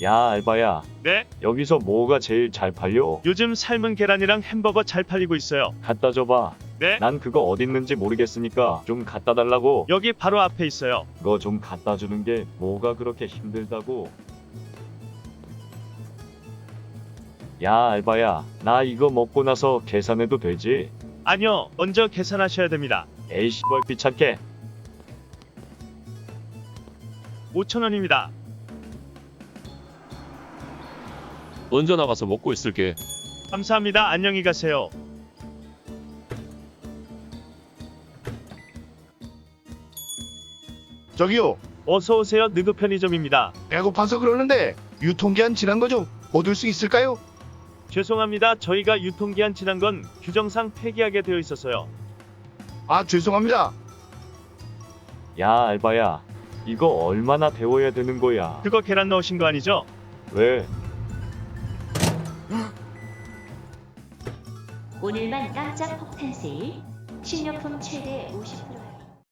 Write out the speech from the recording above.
야, 알바야. 네? 여기서 뭐가 제일 잘 팔려? 요즘 삶은 계란이랑 햄버거 잘 팔리고 있어요. 갖다 줘봐. 네? 난 그거 어딨는지 모르겠으니까 좀 갖다 달라고. 여기 바로 앞에 있어요. 그거 좀 갖다 주는 게 뭐가 그렇게 힘들다고. 야, 알바야. 나 이거 먹고 나서 계산해도 되지? 아니요, 먼저 계산하셔야 됩니다. 에이 씨발 귀찮게. 5,000원입니다. 먼저 나가서 먹고 있을게. 감사합니다. 안녕히 가세요. 저기요, 어서 오세요. 느그 편의점입니다. 배고파서 그러는데 유통기한 지난 거 좀 얻을 수 있을까요? 죄송합니다. 저희가 유통기한 지난 건 규정상 폐기하게 되어 있어서요. 아, 죄송합니다. 야, 알바야. 이거 얼마나 데워야 되는 거야? 그거 계란 넣으신 거 아니죠? 왜? 오늘만 깜짝 폭탄 세일. 식료품 최대 50%.